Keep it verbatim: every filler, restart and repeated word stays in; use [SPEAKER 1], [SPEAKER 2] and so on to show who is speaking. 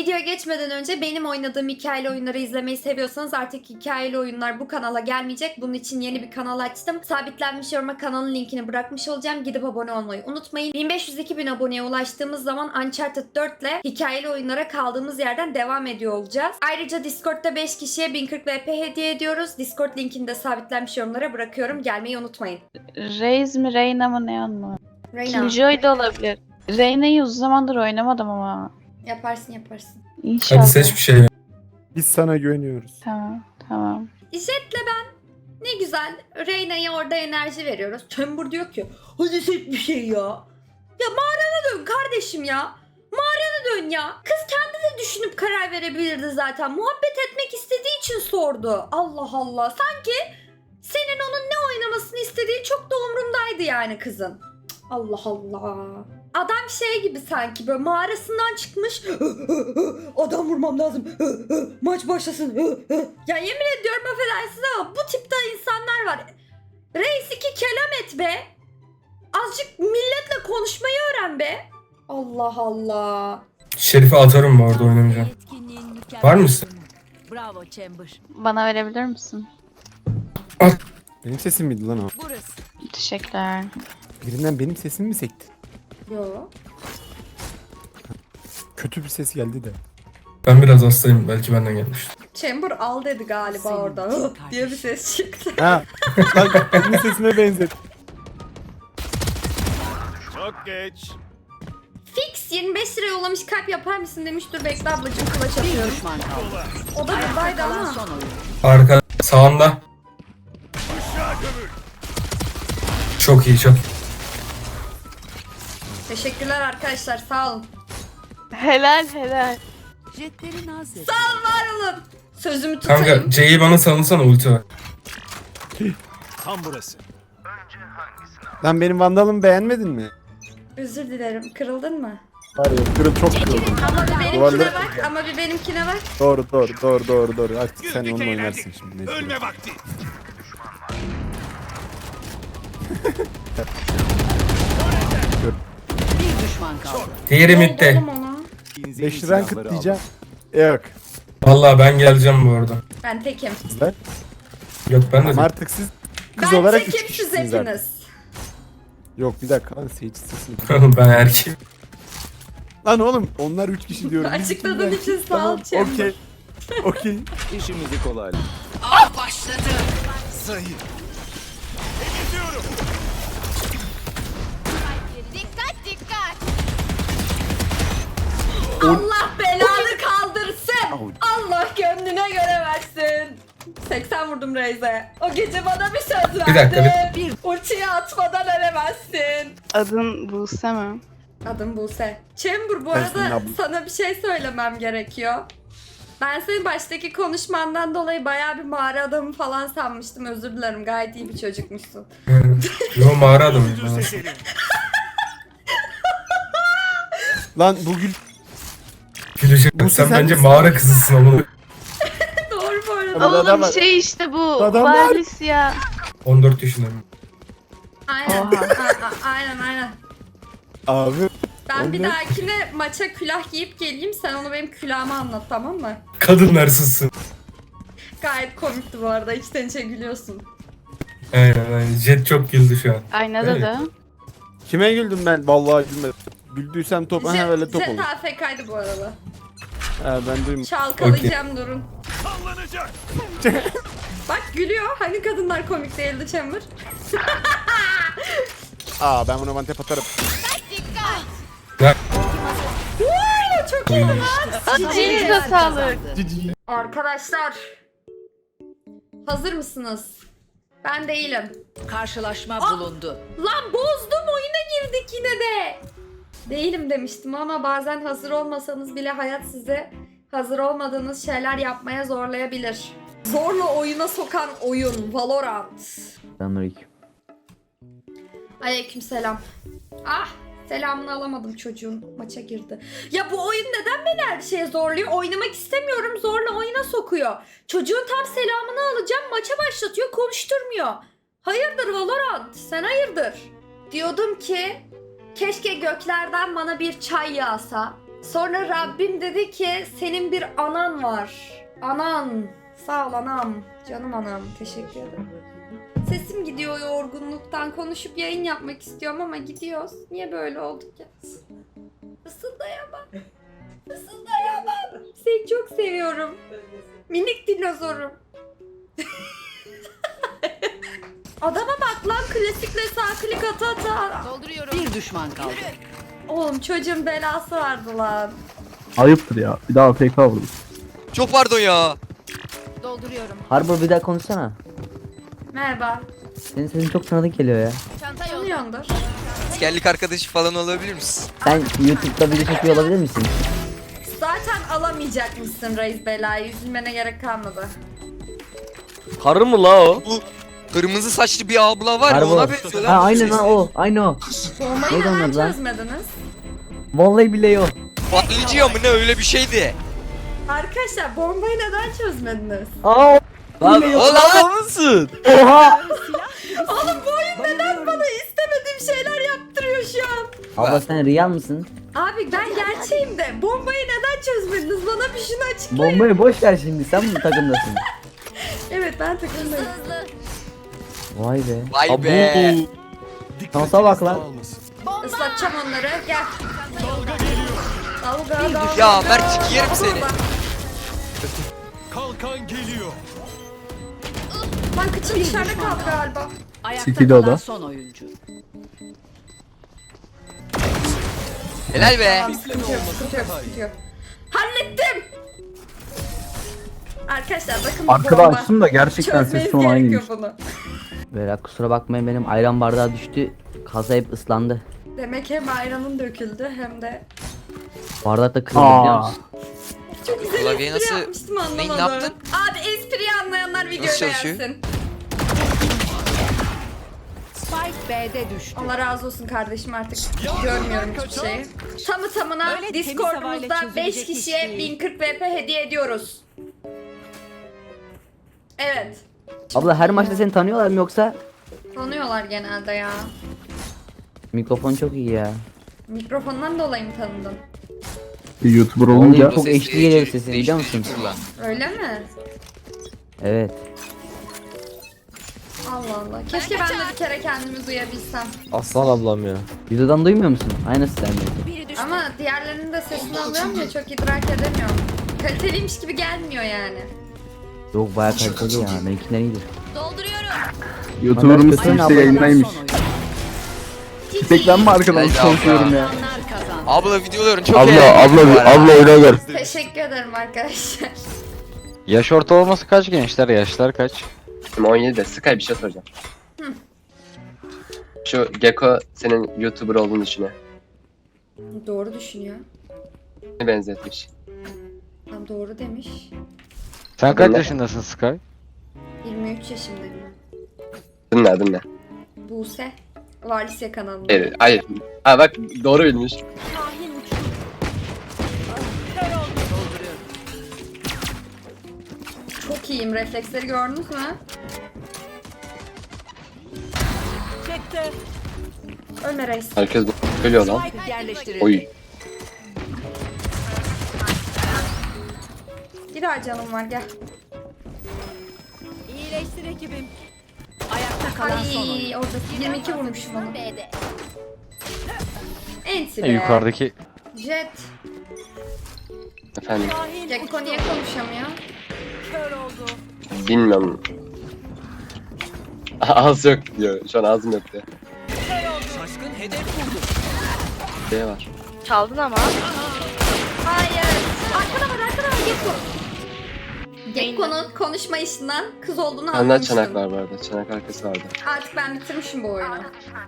[SPEAKER 1] Videoya geçmeden önce benim oynadığım hikayeli oyunları izlemeyi seviyorsanız artık hikayeli oyunlar bu kanala gelmeyecek. Bunun için yeni bir kanal açtım. Sabitlenmiş yoruma kanalın linkini bırakmış olacağım. Gidip abone olmayı unutmayın. bin beş yüz iki bin aboneye ulaştığımız zaman Uncharted dört ile hikayeli oyunlara kaldığımız yerden devam ediyor olacağız. Ayrıca Discord'da beş kişiye bin kırk V P hediye ediyoruz. Discord linkini de sabitlenmiş yorumlara bırakıyorum. Gelmeyi unutmayın.
[SPEAKER 2] Reis mi Reyna mı ne anlamı?
[SPEAKER 1] Reyna.
[SPEAKER 2] Killjoy da olabilir. Reyna'yı uzun zamandır oynamadım ama.
[SPEAKER 1] Yaparsın yaparsın.
[SPEAKER 2] İnşallah.
[SPEAKER 3] Hadi seç bir şey.
[SPEAKER 4] Biz sana güveniyoruz.
[SPEAKER 2] Tamam tamam.
[SPEAKER 1] Jet'le ben ne güzel Reyna'ya orada enerji veriyoruz. Chamber diyor ki hadi seç bir şey ya. Ya mağarana dön kardeşim ya. Mağarana dön ya. Kız kendi de düşünüp karar verebilirdi zaten. Muhabbet etmek istediği için sordu. Allah Allah. Sanki senin onun ne oynamasını istediği çok da umrundaydı yani kızın. Cık, Allah Allah. Adam şey gibi sanki böyle mağarasından çıkmış. Adam vurmam lazım. Maç başlasın. Ya yemin ediyorum affedersiniz ama bu tipte insanlar var. Reis iki kelam et be. Azıcık milletle konuşmayı öğren be. Allah Allah.
[SPEAKER 3] Şerif'i atarım mı orada oynamayacağım. Var mısın?
[SPEAKER 5] Bravo Chamber.
[SPEAKER 2] Bana verebilir misin?
[SPEAKER 4] Benim sesim miydi lan o?
[SPEAKER 5] Burası.
[SPEAKER 2] Teşekkürler.
[SPEAKER 4] Birinden benim sesim mi sekti?
[SPEAKER 1] Yo.
[SPEAKER 4] Kötü bir ses geldi de.
[SPEAKER 3] Ben biraz hastayım. Belki benden gelmiştir.
[SPEAKER 1] Chamber al dedi galiba
[SPEAKER 5] Senin
[SPEAKER 1] orada.
[SPEAKER 5] için
[SPEAKER 1] Hı diye bir ses çıktı.
[SPEAKER 4] Ha, bak benim sesime benzet.
[SPEAKER 6] Çok geç.
[SPEAKER 1] Fix yirmi beş lira yollamış, kalp yapar mısın demiş. Dur bekle ablacığım, kulaç
[SPEAKER 5] Bir
[SPEAKER 1] atıyorum.
[SPEAKER 5] düşman kaldı.
[SPEAKER 1] O da buradaydı
[SPEAKER 5] Kalan
[SPEAKER 1] ama.
[SPEAKER 5] son oyun.
[SPEAKER 3] Arka sağında.
[SPEAKER 6] Aşağı gömül.
[SPEAKER 3] Çok iyi çok.
[SPEAKER 1] Teşekkürler arkadaşlar, sağ olun.
[SPEAKER 2] Helal helal.
[SPEAKER 5] Jetlerin hazır.
[SPEAKER 1] Sağ olun, var olun. Sözümü tutayım.
[SPEAKER 3] Kanka C'yi bana salınsana ulti var.
[SPEAKER 6] Tam burası.
[SPEAKER 4] Lan benim vandalımı beğenmedin mi?
[SPEAKER 1] Özür dilerim, kırıldın mı?
[SPEAKER 4] Var ya kırıl çok kırıldım.
[SPEAKER 1] Ama bir benimkine
[SPEAKER 4] Duvarları-
[SPEAKER 1] bak, ama bir benimkine bak.
[SPEAKER 4] Doğru doğru doğru doğru doğru. Artık sen
[SPEAKER 6] Güldük
[SPEAKER 4] onunla
[SPEAKER 6] eğlendik.
[SPEAKER 4] oynarsın şimdi. Ne
[SPEAKER 6] Ölme vakti.
[SPEAKER 5] Bir düşman kaldı.
[SPEAKER 3] Diğeri
[SPEAKER 1] Ne oldu
[SPEAKER 3] midde.
[SPEAKER 1] oğlum ona?
[SPEAKER 4] beş lira kıtlayacağım. Yok.
[SPEAKER 3] Vallahi ben geleceğim bu arada.
[SPEAKER 1] Ben tekim.
[SPEAKER 4] Kızlar.
[SPEAKER 3] Yok ben de
[SPEAKER 4] Ama artık siz kız
[SPEAKER 1] Ben
[SPEAKER 4] olarak üç
[SPEAKER 1] tekim, siz
[SPEAKER 4] kişisiniz artık.
[SPEAKER 1] hepiniz.
[SPEAKER 4] Yok bir dakika lan seyirci sesini.
[SPEAKER 3] ben erkeğim.
[SPEAKER 4] Lan oğlum onlar üç kişi diyorum. Biz
[SPEAKER 1] Açıkladığın
[SPEAKER 4] ikimiz
[SPEAKER 1] için
[SPEAKER 4] erkek.
[SPEAKER 1] sağ ol
[SPEAKER 4] Tamam,
[SPEAKER 1] Chamber.
[SPEAKER 4] Okey. Okey.
[SPEAKER 6] İşimizi kolay.
[SPEAKER 5] Av başladı.
[SPEAKER 6] Zayıf. Temizliyorum.
[SPEAKER 1] Allah belanı kaldırsın. Allah gönlüne göre versin. seksen vurdum Reis'e. O gece bana bir söz verdi.
[SPEAKER 3] Bir dakika,
[SPEAKER 1] Bir ultiyi atmadan ölemezsin.
[SPEAKER 2] Adın Buse mi?
[SPEAKER 1] Adım Buse. Chamber bu
[SPEAKER 4] Ben senin
[SPEAKER 1] arada
[SPEAKER 4] ablan.
[SPEAKER 1] sana bir şey söylemem gerekiyor. Ben senin baştaki konuşmandan dolayı bayağı bir mağara adamı falan sanmıştım. Özür dilerim. Gayet iyi bir çocukmuşsun.
[SPEAKER 3] Yo mağara adamıyım
[SPEAKER 6] Dur
[SPEAKER 3] ben.
[SPEAKER 6] sesini.
[SPEAKER 4] Lan bugün
[SPEAKER 3] Gülecek.
[SPEAKER 4] Bu
[SPEAKER 3] Sen
[SPEAKER 4] sen
[SPEAKER 3] bence
[SPEAKER 4] misin?
[SPEAKER 3] mağara kızısın ama.
[SPEAKER 1] Doğru bu arada.
[SPEAKER 4] Ama adam-
[SPEAKER 2] Oğlum şey işte bu.
[SPEAKER 4] Adamlar-
[SPEAKER 2] Valis ya.
[SPEAKER 3] on dört yaşındayım.
[SPEAKER 1] Aynen.
[SPEAKER 2] Oha.
[SPEAKER 1] A- a- aynen aynen.
[SPEAKER 4] abi
[SPEAKER 1] Ben bir
[SPEAKER 4] Onlar-
[SPEAKER 1] dahakine maça külah giyip geleyim. Sen onu benim külahıma anlat, tamam mı?
[SPEAKER 3] Kadın hırsızsın.
[SPEAKER 1] Gayet komikti bu arada. İçten içe gülüyorsun.
[SPEAKER 3] Aynen aynen. Jet çok güldü şu an.
[SPEAKER 2] Aynada
[SPEAKER 3] Evet.
[SPEAKER 2] da.
[SPEAKER 4] kime güldüm ben? Vallahi gülmedim. Güldüysem top ha öyle top
[SPEAKER 1] Jet
[SPEAKER 4] olur.
[SPEAKER 1] A F K'ydı bu arada.
[SPEAKER 4] Ha ben duymadım.
[SPEAKER 1] Çalkalayacağım durun.
[SPEAKER 6] Sallanacak.
[SPEAKER 1] Bak gülüyor. Hani kadınlar komik değildi Chamber?
[SPEAKER 4] Aa ben buna mantep atarım.
[SPEAKER 3] Ya,
[SPEAKER 1] Woo, çok iyi lan.
[SPEAKER 2] Elinize sağlık.
[SPEAKER 1] Arkadaşlar. Hazır mısınız? Ben değilim.
[SPEAKER 5] Karşılaşma
[SPEAKER 1] Ah!
[SPEAKER 5] bulundu.
[SPEAKER 1] Lan bozdum, oyuna girdik yine de. Değilim demiştim ama bazen hazır olmasanız bile hayat size hazır olmadığınız şeyler yapmaya zorlayabilir. Zorla oyuna sokan oyun Valorant.
[SPEAKER 7] Selamünaleyküm.
[SPEAKER 1] Aleykümselam. Ah, selamını alamadım çocuğun. Maça girdi. Ya bu oyun neden beni her şeye zorluyor? Oynamak istemiyorum, zorla oyuna sokuyor. Çocuğun tam selamını alacağım, maça başlatıyor, konuşturmuyor. Hayırdır Valorant? Sen hayırdır? Diyordum ki keşke göklerden bana bir çay yağsa. Sonra Rabbim dedi ki senin bir anan var. Anan. Sağ ol anam. Canım anam. Teşekkür ederim. Sesim gidiyor yorgunluktan. Konuşup yayın yapmak istiyorum ama gidiyoruz. Niye böyle olduk ya? Fısıldayamam. Fısıldayamam. Seni çok seviyorum. Minik dinozorum. Adama bak lan, klasikle sağ klik ata ata.
[SPEAKER 5] Bir düşman kaldı.
[SPEAKER 1] Oğlum çocuğun belası vardı lan.
[SPEAKER 4] Ayıptır ya. Bir daha F K vurdum.
[SPEAKER 7] Çok pardon ya.
[SPEAKER 8] Harbor bir daha konuşsana.
[SPEAKER 1] Merhaba.
[SPEAKER 8] Senin sesin çok tanıdık geliyor ya.
[SPEAKER 1] Tanıyordur.
[SPEAKER 7] Askerlik arkadaşı falan olabilir misin?
[SPEAKER 8] Sen YouTube'da video çekiyor olabilir misin?
[SPEAKER 1] Zaten alamayacakmışsın reis belayı. Üzülmene gerek kalmadı.
[SPEAKER 9] Karı mı la o?
[SPEAKER 7] Bu kırmızı saçlı bir abla var ya,
[SPEAKER 8] Harbor.
[SPEAKER 7] ona benziyor lan.
[SPEAKER 8] Ha
[SPEAKER 7] bu
[SPEAKER 8] aynen
[SPEAKER 7] sesi.
[SPEAKER 8] ha o. Aynı o.
[SPEAKER 1] Bombayı
[SPEAKER 8] Neydi onun
[SPEAKER 1] neden
[SPEAKER 8] adı lan?
[SPEAKER 1] çözmediniz?
[SPEAKER 8] Vallahi billahi o.
[SPEAKER 7] Patlıcı mı ne, öyle bir şeydi.
[SPEAKER 1] Arkadaşlar bombayı neden çözmediniz?
[SPEAKER 8] Aa o.
[SPEAKER 9] Lan
[SPEAKER 8] Billahi o.
[SPEAKER 9] o mısın?
[SPEAKER 8] Oha.
[SPEAKER 1] Oğlum bu oyun neden bana istemediğim şeyler yaptırıyor şu an?
[SPEAKER 8] Abla sen real mısın?
[SPEAKER 1] Abi ben gerçeğim de bombayı neden çözmediniz? Bana bir şunu açıklayın.
[SPEAKER 8] Bombayı boş ver şimdi. Sen mi takımdasın?
[SPEAKER 1] Evet ben takımdayım.
[SPEAKER 8] Vay be.
[SPEAKER 7] Vay be.
[SPEAKER 8] Şansa bak lan.
[SPEAKER 1] Islatacağım onları. Gel. Dalga dalga.
[SPEAKER 7] Ya Mert, yerim seni.
[SPEAKER 6] Kalkan geliyor.
[SPEAKER 1] Lan kıçım dışarıda kaldı galiba.
[SPEAKER 5] Ayakta
[SPEAKER 4] City'de o
[SPEAKER 5] kalan
[SPEAKER 4] da.
[SPEAKER 5] son oyuncu.
[SPEAKER 7] Helal be.
[SPEAKER 1] Tamam sıkıntı yok sıkıntı yok sıkıntı yok. Hallettim. Arkadaşlar bakın bu
[SPEAKER 4] Arkada
[SPEAKER 1] bomba.
[SPEAKER 4] açtım da gerçekten
[SPEAKER 1] Çözmeniz
[SPEAKER 4] ses tonu
[SPEAKER 1] gerekiyor
[SPEAKER 4] aynıymış.
[SPEAKER 1] bunu.
[SPEAKER 8] Böyle kusura bakmayın benim ayran bardağı düştü. Kasa hep ıslandı.
[SPEAKER 1] Demek hem ayranın döküldü hem de
[SPEAKER 8] Bardak da kırıldı biliyor
[SPEAKER 4] Aa.
[SPEAKER 8] musun?
[SPEAKER 1] çok güzel
[SPEAKER 7] Klavyeyi
[SPEAKER 1] espri
[SPEAKER 7] nasıl-
[SPEAKER 1] yapmıştım
[SPEAKER 7] Neyi,
[SPEAKER 1] anlamadım.
[SPEAKER 7] ne yaptın?
[SPEAKER 1] Abi espriyi anlayanlar videoyu
[SPEAKER 7] Nasıl çalışıyor?
[SPEAKER 1] beğensin.
[SPEAKER 5] Spike B'de düştü.
[SPEAKER 1] Allah razı olsun kardeşim, artık görmüyorum hiçbir şeyi. Tamı tamına
[SPEAKER 5] Öyle temiz
[SPEAKER 1] Discord'umuzda
[SPEAKER 5] havayla
[SPEAKER 1] beş
[SPEAKER 5] çözülecek
[SPEAKER 1] kişiye
[SPEAKER 5] iş değil.
[SPEAKER 1] bin kırk V P hediye ediyoruz. Evet.
[SPEAKER 8] Abla her maçta seni tanıyorlar mı yoksa?
[SPEAKER 1] Tanıyorlar genelde ya.
[SPEAKER 8] Mikrofon çok iyi ya.
[SPEAKER 1] Mikrofondan dolayı mı tanıdın?
[SPEAKER 4] Bir YouTuber
[SPEAKER 8] Vallahi
[SPEAKER 4] olunca
[SPEAKER 8] çok
[SPEAKER 7] Sesi
[SPEAKER 8] H D geliyor
[SPEAKER 7] değiştir-
[SPEAKER 8] sesin biliyor musun?
[SPEAKER 7] değiştir kullan.
[SPEAKER 1] Öyle mi?
[SPEAKER 8] Evet.
[SPEAKER 1] Allah Allah. Keşke ben de bir kere kendimi duyabilsem.
[SPEAKER 9] Aslan ablam ya.
[SPEAKER 8] Videodan duymuyor musun? Aynısı sende.
[SPEAKER 1] Ama diğerlerinin de sesini alıyorum ya, çok idrak edemiyorum. Kaliteliymiş gibi gelmiyor yani.
[SPEAKER 8] Yok bayağı kaliteli ya. Benimkinden iyidir.
[SPEAKER 4] YouTuber'ımız
[SPEAKER 8] Aynen
[SPEAKER 4] işte
[SPEAKER 8] abla.
[SPEAKER 4] yayındaymış.
[SPEAKER 5] Son oyuncu.
[SPEAKER 4] Bir tek ben mi arkadan
[SPEAKER 7] Haydi
[SPEAKER 4] konuşuyorum ya?
[SPEAKER 5] Onlar kazandı.
[SPEAKER 7] Abla videoların çok
[SPEAKER 4] Abla
[SPEAKER 7] eğlenceli
[SPEAKER 4] abla
[SPEAKER 7] bu arada.
[SPEAKER 4] abla oyuna gel.
[SPEAKER 1] Teşekkür ederim arkadaşlar.
[SPEAKER 9] Yaş ortalaması kaç gençler? Yaşlar kaç?
[SPEAKER 10] on yedide Sky bir şey soracağım. Şu Gecko senin YouTuber olduğunu düşünüyor.
[SPEAKER 1] Doğru düşünüyor.
[SPEAKER 10] Ne benzetmiş?
[SPEAKER 1] Tam doğru demiş.
[SPEAKER 9] Sen kaç
[SPEAKER 10] Ne?
[SPEAKER 9] yaşındasın Sky?
[SPEAKER 1] yirmi üç yaşındayım.
[SPEAKER 10] Dinle dinle.
[SPEAKER 1] Buse. Valisya kanalında.
[SPEAKER 10] Evet, hayır. Ha bak doğru bilmiş.
[SPEAKER 1] Çok iyiyim. Refleksleri gördünüz mü?
[SPEAKER 5] Çekti.
[SPEAKER 1] Ölme reis.
[SPEAKER 10] Herkes bu söylüyor lan.
[SPEAKER 5] Spike yerleştirildi.
[SPEAKER 10] Oy.
[SPEAKER 1] Bir daha canım var, gel.
[SPEAKER 5] İyileştir ekibim. Ayakta kalan son oyuncu.
[SPEAKER 1] Ay orada yirmi iki vurmuşum onu. Enti be.
[SPEAKER 9] E, yukarıdaki
[SPEAKER 1] Jet.
[SPEAKER 10] Efendim
[SPEAKER 1] Gekko niye konuşamıyor?
[SPEAKER 10] bilmiyorum. Ağız yok diyor. Şu an ağzım yok diyor.
[SPEAKER 6] Şaşkın hedef vurdu.
[SPEAKER 10] Ne var?
[SPEAKER 2] Çaldın ama.
[SPEAKER 1] Hayır. Arkada var, arkada var Gekko. Gekko'nun konuşma işinden kız olduğunu
[SPEAKER 10] Benden
[SPEAKER 1] anlamıştım.
[SPEAKER 10] çanak var bu arada. Çanak arkası vardı.
[SPEAKER 1] Artık ben bitirmişim bu oyunu.